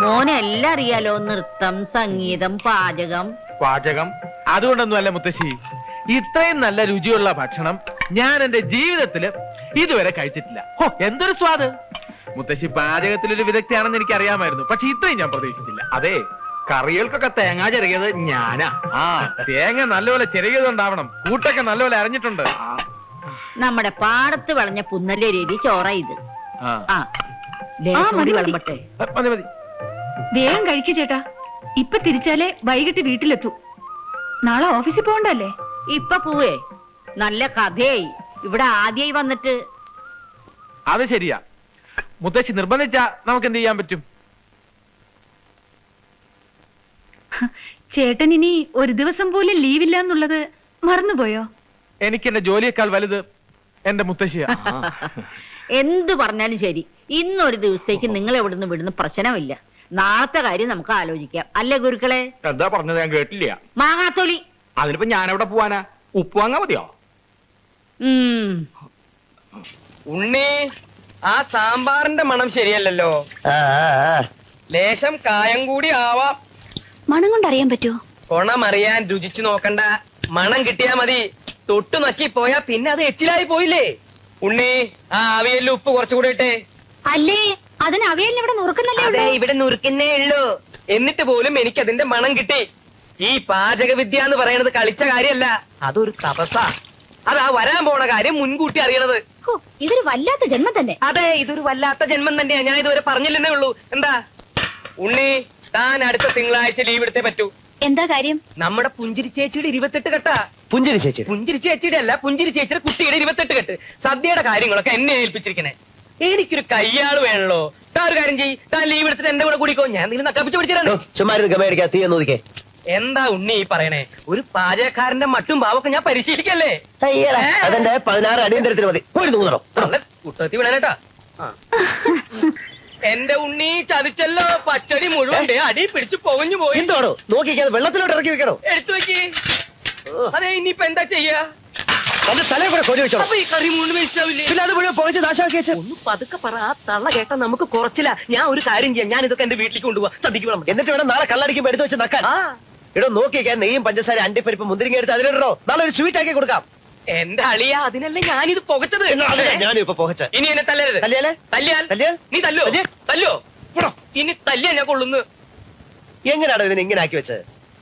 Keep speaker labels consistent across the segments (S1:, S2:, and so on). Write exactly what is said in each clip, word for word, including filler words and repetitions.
S1: മോനെ എല്ലാം അറിയാലോ, നൃത്തം, സംഗീതം, പാചകം.
S2: പാചകം അതുകൊണ്ടൊന്നും അല്ല മുത്തശ്ശി, ഇത്രയും നല്ല രുചിയുള്ള ഭക്ഷണം ഞാൻ എന്റെ ജീവിതത്തില് ഇതുവരെ കഴിച്ചിട്ടില്ല. ഹോ, എന്തൊരു സ്വാദ്! മുത്തശ്ശി പാചകത്തിലൊരു വിദഗ്ധയാണെന്ന് എനിക്ക് അറിയാമായിരുന്നു, പക്ഷെ ഇത്രയും ഞാൻ പ്രതീക്ഷിച്ചില്ല.
S3: അതെ, കറികൾക്കൊക്കെ തേങ്ങ ചെറിയത് ഞാനാ.
S2: ആ തേങ്ങ നല്ലപോലെ ചെറിയതുണ്ടാവണം, കൂട്ടൊക്കെ നല്ലപോലെ അരഞ്ഞിട്ടുണ്ട്.
S1: നമ്മുടെ പാടത്ത് വളഞ്ഞ പുന്നല്ലേ രീതി ചോറ ഇത്.
S2: ആ
S1: ആ ലേശം കൂടി വിളമ്പട്ടെ.
S2: മതി മതി.
S4: വേഗം കഴിക്കു ചേട്ടാ, ഇപ്പൊ തിരിച്ചാലേ വൈകിട്ട് വീട്ടിലെത്തൂ. നാളെ ഓഫീസിൽ പോകണ്ടല്ലേ?
S1: ഇപ്പൊ പോവേ, നല്ല കഥയായി. ഇവിടെ ആദ്യമായി വന്നിട്ട്.
S2: അത് ശരിയാ, മുത്തശ്ശി നിർബന്ധിച്ചാ നമുക്ക് എന്ത് ചെയ്യാൻ പറ്റും?
S4: ചേട്ടൻ ഇനി ഒരു ദിവസം പോലും ലീവില്ല എന്നുള്ളത് മറന്നുപോയോ?
S2: എനിക്ക് എന്റെ ജോലിയേക്കാൾ വലുത് എന്റെ മുത്തശ്ശിയാ.
S1: എന്തു പറഞ്ഞാലും ശരി, ഇന്നൊരു ദിവസത്തേക്ക് നിങ്ങൾ എവിടുന്ന് വിടുന്ന പ്രശ്നമില്ല. നാളത്തെ കാര്യം നമുക്ക് ആലോചിക്കാം, അല്ലേ ഗുരുക്കളെ?
S3: എന്താ പറഞ്ഞത്? ഞാൻ കേട്ടില്ല.
S1: മാങ്ങാത്തൊലി.
S3: അതിനിപ്പോ ഞാനെവിടെ പോവാനാ? ഉപ്പ് വാങ്ങാ മതിയോ?
S1: ഉം
S5: ഉണ്ണി, ആ സാമ്പാറിന്റെ മണം ശരിയല്ലല്ലോ. ലേശം കായം കൂടി ആവാം.
S6: മണം കൊണ്ട് അറിയാൻ പറ്റുമോ?
S5: കൊണമറിയാൻ രുചിച്ചു നോക്കണ്ട, മണം കിട്ടിയാ മതി. തൊട്ടു നക്കി പോയാ പിന്നെ അത് എച്ചിലായി പോയില്ലേ. ഉണ്ണി, ആ ആവിയല്ല ഉപ്പ് കുറച്ചുകൂടെ ഇട്ടേ.
S6: അല്ലേ, അതിന് അവയെല്ലാം ഇവിടെ നുറുക്കുന്നല്ലേ
S5: അതെ,
S6: ഉള്ളൂ.
S5: ഇവിടെ നുറുക്കുന്നേ ഉള്ളൂ. എന്നിട്ട് പോലും എനിക്ക് അതിന്റെ മണം കിട്ടി. ഈ പാചക വിദ്യ എന്ന് പറയുന്നത് കളിച്ച കാര്യമല്ല, അതൊരു തപസ്സാ. അതാ വരാൻ പോണ കാര്യം മുൻകൂട്ടി അറിയണത്.
S6: ഹോ, ഇതൊരു വല്ലാത്ത ജന്മം തന്നെ.
S5: അതെ, ഇതൊരു വല്ലാത്ത ജന്മം തന്നെയാ. ഞാൻ ഇതുവരെ പറഞ്ഞില്ലെന്നേ ഉള്ളൂ. എന്താ ഉണ്ണി, താൻ അടുത്ത തിങ്കളാഴ്ച ലീവ് എടുത്തേ പറ്റൂ.
S6: എന്താ കാര്യം?
S5: നമ്മുടെ പുഞ്ചിരി ചേച്ചിയുടെ ഇരുപത്തെട്ട് കെട്ടാ.
S3: പുഞ്ചിരി ചേച്ചി?
S5: പുഞ്ചിരി ചേച്ചിയുടെ അല്ല, പുഞ്ചിരി ചേച്ചിയുടെ കുട്ടിയുടെ ഇരുപത്തെട്ട് കെട്ട്. സദ്യയുടെ കാര്യങ്ങളൊക്കെ എന്നെ ഏൽപ്പിച്ചിരിക്കണേ. എനിക്കൊരു കയ്യാള് വേണല്ലോ. താ ഒരു കാര്യം ചെയ്യ്, താൻ ലീവ് എടുത്തിട്ട് എന്റെ കൂടെ കൂടിക്കോ. ഞാൻ നിങ്ങൾ നക്കാപ്പിച്ച് പിടിച്ചിട്ടുണ്ട്. എന്താ ഉണ്ണി ഈ പറയണേ? ഒരു പാചകക്കാരന്റെ മട്ടും ഭാവൊക്കെ ഞാൻ പരിശീലിക്കല്ലേ?
S3: അതെന്റെ പതിനാറ് അടിയന്തരത്തിന് മതി.
S5: കുട്ടത്തി വിടാനേട്ടാ. എന്റെ ഉണ്ണി ചതിച്ചല്ലോ, പച്ചടി മുഴുവൻ അടി പിടിച്ചു പോകഞ്ഞു പോയി.
S3: എന്തോടോ നോക്കിക്കാതെ വെള്ളത്തിലോട്ട് ഇറക്കി വെക്കണോ?
S5: എടുത്തു വെക്ക്. അതെ, ഇനിയിപ്പൊ എന്താ ചെയ്യാ?
S3: തന്റെ തലയെ കൂടെ കൊടി വെച്ചോ.
S5: ഈ കറി മുഴുവൻ വേസ്റ്റാവില്ലേ?
S3: പിന്നെ അത് മുഴുവൻ പോയിച്ച് നാശമാക്കി വെച്ചു.
S5: ഒന്ന് പതുക്കെ പറ, ആ തള്ള കേട്ടാ നമുക്ക് കുറച്ചില്ല. ഞാൻ ഒരു കാര്യം ചെയ്യാം, ഞാൻ ഇതൊക്കെ എന്റെ വീട്ടിലേക്ക് കൊണ്ടുപോവാ. സദ്യക്ക് വേണം.
S3: എന്നിട്ട് വേണം നാളെ കള്ളടിക്കുമ്പോ എടുത്ത് വെച്ച് നക്കാൻ. ഇടോ നോക്കിക്കാൻ നെയ്യും പഞ്ചസാര അണ്ടിപ്പരിപ്പ് മുന്തിരിങ്ങ എടുത്ത് അതിലിടോ. നാളെ ഒരു സ്വീറ്റ് ആക്കി കൊടുക്കാം.
S5: എന്റെ അളിയ, അതിനല്ലേ ഞാനിത് പുകച്ചത്.
S3: ഞാനും ഇപ്പൊ പുകച്ച.
S5: ഇനി എന്നെ തല്ലരുത്.
S3: തല്ലിയാലേ?
S5: തല്ലിയാൽ
S3: തല്ലിയാൽ
S5: നീ തല്ലോ തല്ലോ. ഇനി തല്ലിയാ ഞാൻ കൊള്ളുന്നു.
S3: എങ്ങനെയാണോ ഇതിനെ ഇങ്ങനെ ആക്കി വെച്ചത്?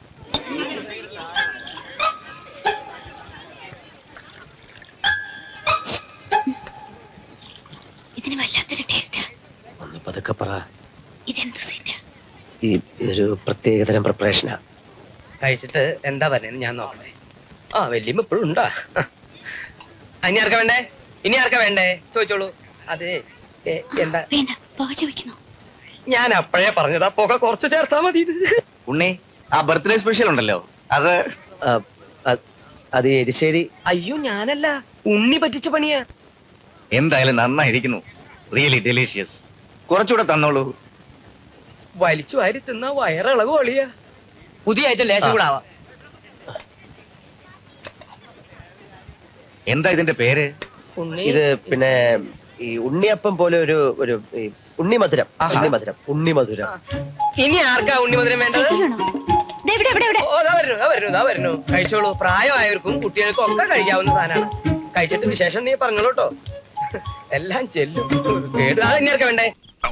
S6: ഇതിന് വല്ലാത്തൊരു ടേസ്റ്റാ.
S3: ഒന്ന് പതുക്കെ പറ.
S6: ഇതെന്ത് സ്വീറ്റാ?
S3: ഇതൊരു പ്രത്യേകതരം പ്രിപ്പറേഷനാ.
S5: കഴിച്ചിട്ട് എന്താ പറയുന്നത് ഞാൻ നോക്കണേ. ആ വല്യമ്മ ഇപ്പോഴും ഉണ്ടാ. ഇനി ആർക്കാ വേണ്ടേ? ഇനി ആർക്കാ വേണ്ടേ ചോദിച്ചോളൂ. അതെ, എന്താ
S6: വേണ്ട, പുകച്ചു വെക്കുന്നു.
S5: ഞാൻ അപ്പോഴേ പറഞ്ഞതാ, പുക കുറച്ച് ചേർത്താ മതി.
S3: ഉണ്ണി, ആ ബർത്ത്ഡേ സ്പെഷ്യൽ ഉണ്ടല്ലോ, അത് അത് എരിശ്ശേരി.
S5: അയ്യോ, ഞാനല്ല, ഉണ്ണി പറ്റിച്ച പണിയാ.
S7: എന്തായാലും നന്നായിരിക്കുന്നു, റിയലി ഡെലീഷ്യസ്. കുറച്ചുകൂടെ തന്നോളൂ.
S5: വലിച്ചു വാരി തിന്ന വയറിളവ് ഒളിയാ. പുതിയ ഐറ്റം ലേശം കൂടെ ആവാം.
S7: എന്താ ഇതിന്റെ പേര്?
S3: ഇത് പിന്നെ ഈ ഉണ്ണിയപ്പം പോലെ ഒരു ഒരു ഉണ്ണിമധുരം. ഉണ്ണിമധുരം ഉണ്ണിമധുരം
S5: ഇനി ആർക്കാ ഉണ്ണിമധുരം വേണ്ടത്? ഓ, ദാ വരുന്നു, ദാ വരുന്നു, ദാ വരുന്നു. കഴിച്ചോളൂ. പ്രായമായവർക്കും കുട്ടികൾക്കും ഒക്കെ കഴിക്കാവുന്ന സാധനമാണ്. കഴിച്ചിട്ട് വിശേഷം നീ പറഞ്ഞോളൂ കേട്ടോ. എല്ലാം ചെല്ലും. കേട്ടു. അത് ഇനി ആർക്കാ വേണ്ടേ?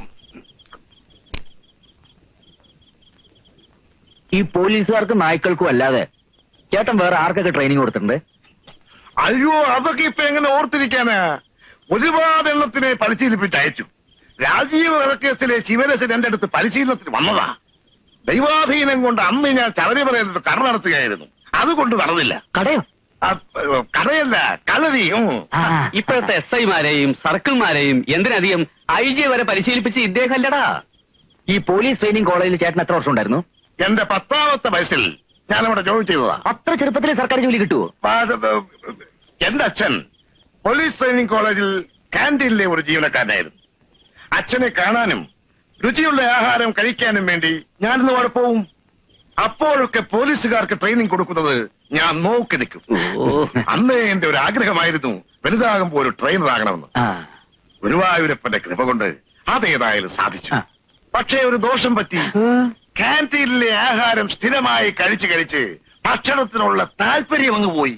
S8: ഈ പോലീസുകാർക്കും നായ്ക്കൾക്കും അല്ലാതെ ചേട്ടൻ വേറെ ആർക്കൊക്കെ ട്രെയിനിങ് കൊടുത്തിട്ടുണ്ട്?
S9: അയ്യോ, അതൊക്കെ ഇപ്പൊ എങ്ങനെ ഓർത്തിരിക്കാനാ? ഒരുപാട് എണ്ണത്തിനെ പരിശീലിപ്പിച്ച് അയച്ചു. രാജീവ് വധക്കേസിലെ ശിവരസൻ എന്റെ അടുത്ത് പരിശീലനത്തിന് വന്നതാ. ദൈവാധീനം കൊണ്ട് അന്ന് ഞാൻ ശബരിമലയിൽ കട നടത്തുകയായിരുന്നു. അതുകൊണ്ട് നടന്നില്ല.
S8: കടയോ?
S9: കടയല്ല, കളരി.
S8: ഇപ്പോഴത്തെ എസ് ഐമാരെയും സർക്കിൾമാരെയും എന്തിനധികം ഐ ജി വരെ പരിശീലിപ്പിച്ച് ഇദ്ദേഹം അല്ലടാ. ഈ പോലീസ് ട്രെയിനിങ് കോളേജിൽ ചേട്ടൻ എത്ര വർഷം ഉണ്ടായിരുന്നു?
S9: എന്റെ പത്താമത്തെ വയസ്സിൽ ഞാനവിടെ ജോലി ചെയ്തതാ.
S8: അത്ര ചെറുപ്പത്തിൽ സർക്കാർ ജോലി കിട്ടുമോ?
S9: എന്റെ അച്ഛൻ പോലീസ് ട്രെയിനിങ് കോളേജിൽ കാന്റീനിലെ ഒരു ജീവനക്കാരനായിരുന്നു. അച്ഛനെ കാണാനും രുചിയുള്ള ആഹാരം കഴിക്കാനും വേണ്ടി ഞാനിന്ന് അവിടെ പോവും. അപ്പോഴൊക്കെ പോലീസുകാർക്ക് ട്രെയിനിങ് കൊടുക്കുന്നത് ഞാൻ നോക്കി നിൽക്കും. അന്ന് എന്റെ ഒരു ആഗ്രഹമായിരുന്നു വലുതാകുമ്പോ ഒരു ട്രെയിനർ ആകണമെന്ന്. ഗുരുവായൂരപ്പന്റെ കൃപ കൊണ്ട് അതേതായാലും സാധിച്ചു. പക്ഷേ ഒരു ദോഷം പറ്റി. കാന്റീനിലെ ആഹാരം സ്ഥിരമായി കഴിച്ച് കഴിച്ച് ഭക്ഷണത്തിനുള്ള താല്പര്യം അങ്ങ് പോയി.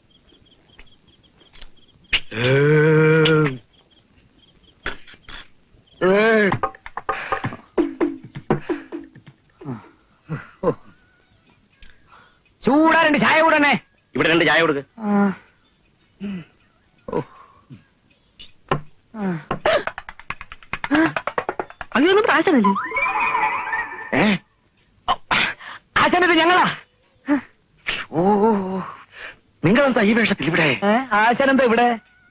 S8: ചൂടാ രണ്ട് ചായ കൂടണേ.
S7: ഇവിടെ രണ്ട് ചായ കൊടുക്ക്.
S8: അങ്ങനെയൊന്നും ആശാനല്ലേ?
S9: ഏ
S8: ആശാനത് ഞങ്ങളാ.
S9: ഓ നിങ്ങളെന്താ ഈ വേഷത്തിൽ ഇവിടെ?
S8: ആശാനെന്താ ഇവിടെ?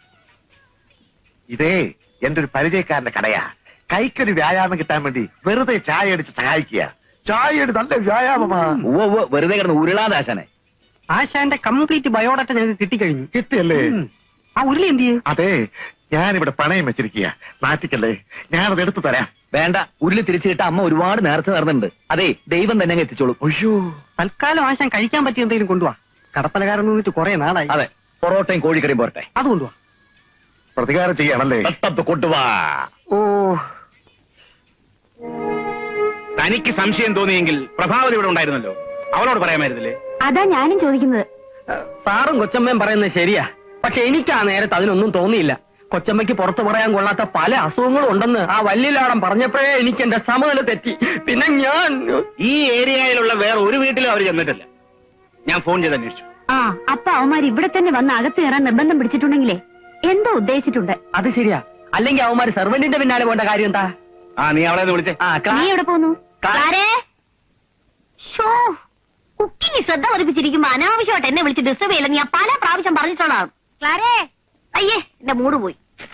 S9: ഇതേ എന്റെ ഒരു പരിചയക്കാരന്റെ കടയാ. കൈക്കൊരു വ്യായാമം കിട്ടാൻ വേണ്ടി വെറുതെ ചായ അടിച്ച് സഹായിക്കുക. ചായയുടെ നല്ല വ്യായാമമാ.
S8: ഉവ്വ് ഉവ്വ് വെറുതെ കിടന്ന് ഉരുളാതെ ആശാനെ.
S5: ആശാന്റെ കംപ്ലീറ്റ് ബയോഡാറ്റ ഞങ്ങൾക്ക് കിട്ടിക്കഴിഞ്ഞു.
S9: കിട്ടിയല്ലേ?
S5: ആ ഉരുളി എന്ത് ചെയ്യും?
S9: അതെ ഞാനിവിടെ പണയം വെച്ചിരിക്കുക. നാട്ടിക്കല്ലേ, ഞാനത് എടുത്തു തരാം.
S8: വേണ്ട, ഉരുളി തിരിച്ചു കിട്ടാൻ അമ്മ ഒരുപാട് നേരത്തെ നടന്നിട്ടുണ്ട്. അതെ, ദൈവം തന്നെ അങ്ങ് എത്തിച്ചോളൂ.
S9: അയ്യോ,
S5: തൽക്കാലം ആശാൻ കഴിക്കാൻ പറ്റിയ എന്തെങ്കിലും കൊണ്ടുപോവാ. കടപ്പലകാരൻ നിന്നിട്ട് കുറെ നാളായി.
S8: അതെ, പൊറോട്ടയും കോഴിക്കറിയും പോരട്ടെ.
S5: അത് കൊണ്ടുപോവാ.
S9: പ്രതികാരം ചെയ്യാണല്ലേ?
S7: തത്തപ്പ് കൊട്ടുവാ.
S5: ഓ,
S7: തനിക്ക് സംശയം തോന്നിയെങ്കിൽ പ്രഭാവതി ഇവിടെ ഉണ്ടായിരുന്നല്ലോ, അവളോട് പറയാമായിരുന്നില്ലേ?
S6: അതാ ഞാനും ചോദിക്കുന്നത്.
S5: സാറും കൊച്ചമ്മയും പറയുന്നത് ശരിയാ. പക്ഷെ എനിക്ക് ആ നേരത്ത് അതിനൊന്നും തോന്നിയില്ല. കൊച്ചമ്മയ്ക്ക് പുറത്തു പറയാൻ കൊള്ളാത്ത പല അസുഖങ്ങളും ഉണ്ടെന്ന് ആ വല്യലാടം പറഞ്ഞപ്പോഴേ എനിക്ക് എന്റെ സമനില തെറ്റി. പിന്നെ ഞാൻ
S7: ഈ ഏരിയയിലുള്ള വേറെ ഒരു വീട്ടിലും അവർ ചെന്നിട്ടില്ല. ഞാൻ ഫോൺ ചെയ്ത് അന്വേഷിച്ചു.
S6: ആ അപ്പൊ അവന്മാർ ഇവിടെ തന്നെ വന്ന് അകത്ത് കയറാൻ നിർബന്ധം പിടിച്ചിട്ടുണ്ടെങ്കിലേ എന്തോ ഉദ്ദേശിച്ചിട്ടുണ്ട്.
S5: അത് ശരിയാ. അല്ലെങ്കിൽ അവന്മാര് സെർവന്റിന്റെ പിന്നാലെ പോകേണ്ട കാര്യം എന്താ?
S7: ആ നീ അവളെ ഒന്ന് വിളിച്ചേ.
S5: ആ
S6: നീ എവിടെ പോന്നു? കുക്കിംഗ് ശ്രദ്ധ പതിപ്പിച്ചിരിക്കുമ്പോ അനാവശ്യമായിട്ട് എന്നെ വിളിച്ച് ഡിസ്റ്റർബ് ചെയ്യില്ല. ഞാൻ പല പ്രാവശ്യം പറഞ്ഞിട്ടുള്ളതാണ്. ക്ലാരേ, അയ്യേ എന്റെ മൂഡ് പോയി.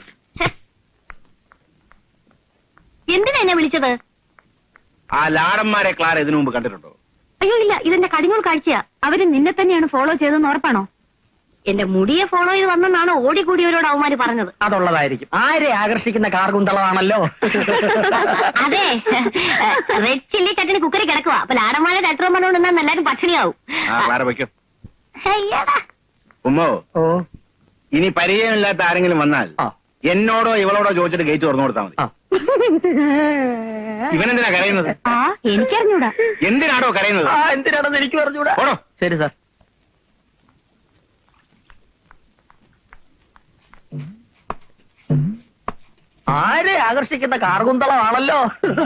S6: എന്തിനാ എന്നെ വിളിച്ചത്?
S7: ആ ലാടന്മാരെ ക്ലാര ഇതിനു മുമ്പ് കണ്ടിട്ടുണ്ടോ?
S6: അയ്യോ ഇല്ല, ഇതെന്റെ കടിഞ്ഞൂൽ കാഴ്ചയാ. അവര് നിന്നെ തന്നെയാണ് ഫോളോ ചെയ്തെന്ന് ഉറപ്പാണോ? എന്റെ മുടിയെ ഫോളോ ചെയ്ത് വന്നെന്നാണ് ഓടിക്കൂടിയവരോട് അവന്മാര് പറഞ്ഞത്.
S5: അതുള്ളതായിരിക്കും. ആരെ ആകർഷിക്കുന്ന കാർഗുന്തളമാണല്ലോ.
S6: അതെ, റെഡ് ചില്ലി കട്ടിന് കുക്കറി കിടക്കുക. അപ്പൊ ലാടന്മാരെ ഡാക്ടർ പറഞ്ഞോണ്ട് നിന്നാൽ എല്ലാരും പട്ടിണിയാവും.
S7: ആ ക്ലാര വയ്ക്കോ.
S6: അയ്യടാ.
S7: ഉമ്മോ,
S5: ഓ,
S7: ഇനി പരിചയമില്ലാത്ത ആരെങ്കിലും വന്നാൽ
S5: ആ.
S7: എന്നോടോ ഇവളോടോ ചോദിച്ചിട്ട് ഗേറ്റ് തുറന്നു കൊടുത്താൽ മതി.
S5: ആ.
S7: ഇവനെന്തിനാ കരയുന്നത്?
S6: ആ എനിക്കറിഞ്ഞൂടാ.
S7: എന്തിനാടോ കരയുന്നത്?
S5: ആ, എന്തിനാണെന്ന് എനിക്ക് പറഞ്ഞൂടാ.
S7: ഓടോ.
S5: ശരി സാർ. ആരെ ആകർഷിക്കുന്ന കാർഗുന്തളമാണല്ലോ.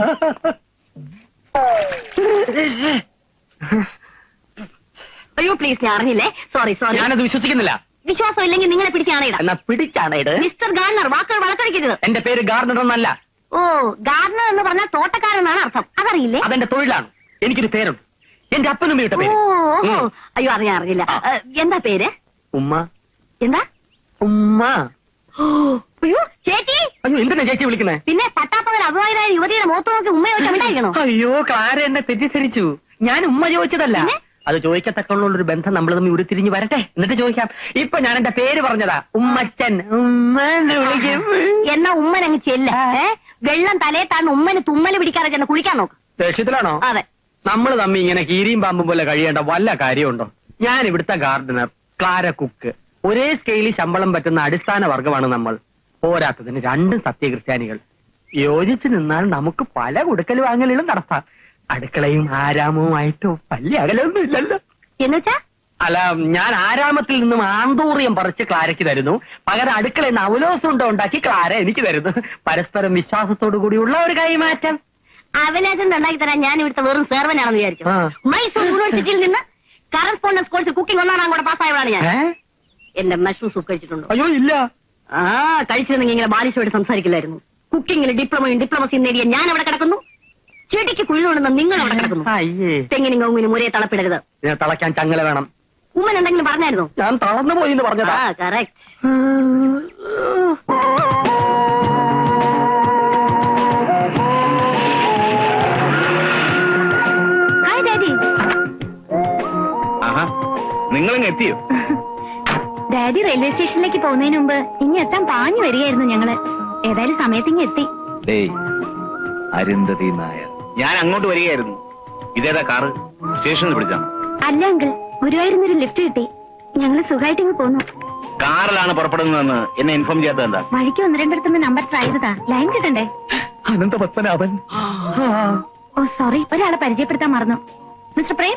S6: അയ്യോ പ്ലീസ്, ഞാൻ അറിഞ്ഞില്ലേ. Sorry sorry.
S5: ഞാനത് വിശ്വസിക്കുന്നില്ല.
S6: വിശ്വാസം ഇല്ലെങ്കിൽ നിങ്ങളെ പിടിച്ചാണേടാ.
S5: എന്നാ പിടിച്ചാണേട്.
S6: മിസ്റ്റർ ഗാർണർ, വാക്കുകൾ വളർത്തടിക്കരുത്.
S5: എന്റെ പേര് ഗാർഡനർ എന്നല്ല.
S6: ഓ, ഗാർഡനർ എന്ന് പറഞ്ഞാൽ തോട്ടക്കാരെന്നാണ് അർത്ഥം. അതറിയില്ലേ?
S5: അതെന്റെ തൊഴിലാണ്. എനിക്കൊരു പേരുണ്ട്. എന്റെ അപ്പനും വീട്ട
S6: ഓ
S5: പേര്.
S6: ഓ, അയ്യോ അറിയാൻ അറിയില്ല. ഏ, എന്താ പേര്?
S5: ഉമ്മ.
S6: എന്താ?
S5: ഉമ്മ.
S6: ഓ, അയ്യോ ചേച്ചി.
S5: അയ്യോ, എന്തിനാ ചേച്ചി വിളിക്കുന്നേ?
S6: പിന്നെ പട്ടാപ്പകൽ അഭിമാനായ യുവതിയുടെ മുഖത്ത് നോക്കി ഉമ്മ ചോദിച്ചാൽ
S5: അയ്യോ, ക്ലാര എന്നെ തെറ്റിദ്ധരിച്ചു. ഞാൻ ഉമ്മ ചോദിച്ചതല്ല.
S6: പിന്നെ?
S5: അത് ചോദിക്കത്തക്കുള്ള ഒരു ബന്ധം നമ്മൾ തമ്മിൽ ഉരുത്തിരിഞ്ഞ് വരട്ടെ, എന്നിട്ട് ചോദിക്കാം. ഇപ്പൊ ഞാൻ എന്റെ പേര് പറഞ്ഞതാ, ഉമ്മച്ചൻ. ഉമ്മ എന്ന് വിളിക്കും.
S6: എന്നാ ഉമ്മൻ അങ്ങ് ചെല്ല. ഏ വെള്ളം തലയെ താഴ്ന്ന് ഉമ്മന് തുമ്മല് പിടിക്കാതെ ചെന്ന് കുളിക്കാൻ നോക്ക്.
S5: ദേഷ്യത്തിലാണോ?
S6: അതെ.
S5: നമ്മൾ തമ്മിൽ ഇങ്ങനെ കീരിയും പാമ്പും പോലെ കഴിയേണ്ട വല്ല കാര്യമുണ്ടോ? ഞാൻ ഇവിടുത്തെ ഗാർഡനർ, ക്ലാര കുക്ക്. ഒരേ സ്കെയിലിൽ ശമ്പളം പറ്റുന്ന അടിസ്ഥാന വർഗമാണ് നമ്മൾ. പോരാത്തതിന് രണ്ടും സത്യക്രിസ്ത്യാനികൾ. യോജിച്ചു നിന്നാൽ നമുക്ക് പല കൊടുക്കൽ വാങ്ങലുകളും നടത്താം. അടുക്കളയും ആരാമവുമായിട്ട് വലിയ അകലൊന്നും ഇല്ലല്ലോ.
S6: എന്നുവെച്ചാ?
S5: അല്ല, ഞാൻ ആരാമത്തിൽ നിന്നും ആന്തൂറിയം പറിച്ച് ക്ലാരയ്ക്ക് തരുന്നു. പകരം അടുക്കളയിൽ നിന്ന് അവലോസം ഉണ്ടോ ഉണ്ടാക്കി ക്ലാര എനിക്ക് തരുന്നു. പരസ്പരം വിശ്വാസത്തോടു കൂടിയുള്ള ഒരു കൈമാറ്റം.
S6: അവലാശം ഉണ്ടാക്കി തരാൻ ഞാൻ ഇവിടുത്തെ വെറും സേർവനാണെന്ന് വിചാരിച്ചു.
S5: ആ.
S6: മൈസൂർ യൂണിവേഴ്സിറ്റിയിൽ നിന്ന് കറസ്പോണ്ടൻസ് കോഴ്സ് കുക്കിംഗ് ഒന്നാം കൂടെ പാസ്സായവളാണ് ഞാൻ.
S5: ഏ?
S6: എന്റെ മഷ്റൂം സൂപ്പ് കഴിച്ചിട്ടുണ്ടോ?
S5: അയ്യോ ഇല്ല.
S6: ആ കഴിച്ചിരുന്നെങ്കിൽ ഇങ്ങനെ ബാലിശോട് സംസാരിക്കില്ലായിരുന്നു. കുക്കിങ്ങിൽ ഡിപ്ലോമയും ഡിപ്ലോമസിയും നേടിയ ഞാൻ അവിടെ കിടക്കുന്നു. ചെടിക്ക് കുഴിതുകൊണ്ടെന്ന് നിങ്ങൾ അവിടെ കിടക്കുന്നു.
S5: അയ്യേ,
S6: തെങ്ങിനും കവുങ്ങിനും ഒരേ തളപ്പിടരുത്.
S5: ഇതിനെ തളയ്ക്കാൻ ചങ്ങല വേണം.
S6: ഉമ്മൻ എന്തെങ്കിലും പറഞ്ഞായിരുന്നോ?
S5: ഞാൻ തളർന്നു പോയി എന്ന് പറഞ്ഞതാ.
S6: ആ കറക്റ്റ്. Hi daddy.
S7: ആഹാ, നിങ്ങളിങ്ങ് എത്തിയോ?
S6: ഡാഡി റെയിൽവേ സ്റ്റേഷനിലേക്ക് പോകുന്നതിന് മുമ്പ് ഇനി എത്താൻ പാഞ്ഞു വരികയായിരുന്നു ഞങ്ങള്. ഏതായാലും സമയത്തിങ്ങ് എത്തി.
S8: അരുന്ധതി നായർ.
S7: ഞാൻ അങ്ങോട്ട് വരികയായിരുന്നു. ഇതേതാ കാറ്? സ്റ്റേഷനിൽ പിടിച്ചാണ്.
S6: അല്ല അങ്കിൾ, ഗുരുവായൂരിന്നൊരു ലിഫ്റ്റ് കിട്ടി. ഞങ്ങള് സുഖമായിട്ട് ഇങ്ങ് പോന്നു.
S7: കാറിലാണ് പുറപ്പെടുന്നതെന്ന് എന്നെ ഇൻഫോം ചെയ്യാത്തത് എന്താ?
S6: വഴിക്ക് ഒന്ന് രണ്ടിടത്തുനിന്ന് നമ്പർ ട്രൈ ചെയ്തതാ. ലൈൻ കിട്ടണ്ടേ?
S8: അനന്തപത്മനാഭൻ.
S6: ഓ സോറി, ഒരാളെ പരിചയപ്പെടുത്താൻ മറന്നു. മിസ്റ്റർ പ്രേം,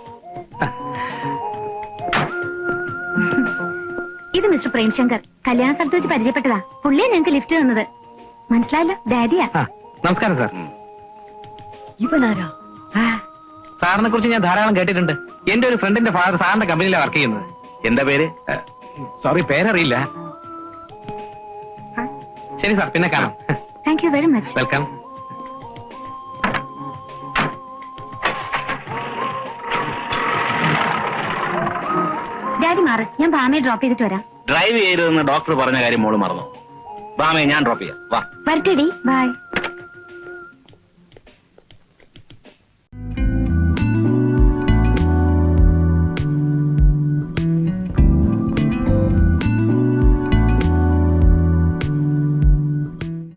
S6: ഇത് മിസ്റ്റർ പ്രേംശങ്കർ. കല്യാണ സ്ഥലത്ത് വെച്ച് പരിചയപ്പെട്ടതാ. പുള്ളിയെ ഞങ്ങൾക്ക് ലിഫ്റ്റ് തന്നത്. മനസ്സിലായല്ലോ, ഡാഡിയാ.
S8: ആ, നമസ്കാരം സാർ.
S6: ഇവനാരാ?
S8: സാറിനെ കുറിച്ച് ഞാൻ ധാരാളം കേട്ടിട്ടുണ്ട്. എന്റെ ഒരു ഫ്രണ്ടിന്റെ ഫാദർ സാറിന്റെ കമ്പനിയിലാണ് വർക്ക് ചെയ്യുന്നത്.
S7: എന്താ പേര്?
S8: സോറി, പേരറിയില്ല. ശരി സാർ, പിന്നെ കാണാം.
S6: Thank you very much.
S8: Welcome.
S6: Daddy മാറ്, ഞാൻ ബാമയെ ഡ്രോപ്പ് ചെയ്തിട്ട് വരാം.
S7: ഡ്രൈവ് ചെയ്യരുതെന്ന് ഡോക്ടർ പറഞ്ഞ കാര്യം മോള് മറന്നു. വാമേ, ഞാൻ ഡ്രോപ്പ് ചെയ്യാം. വാ.
S6: വരട്ടെടി, ബൈ.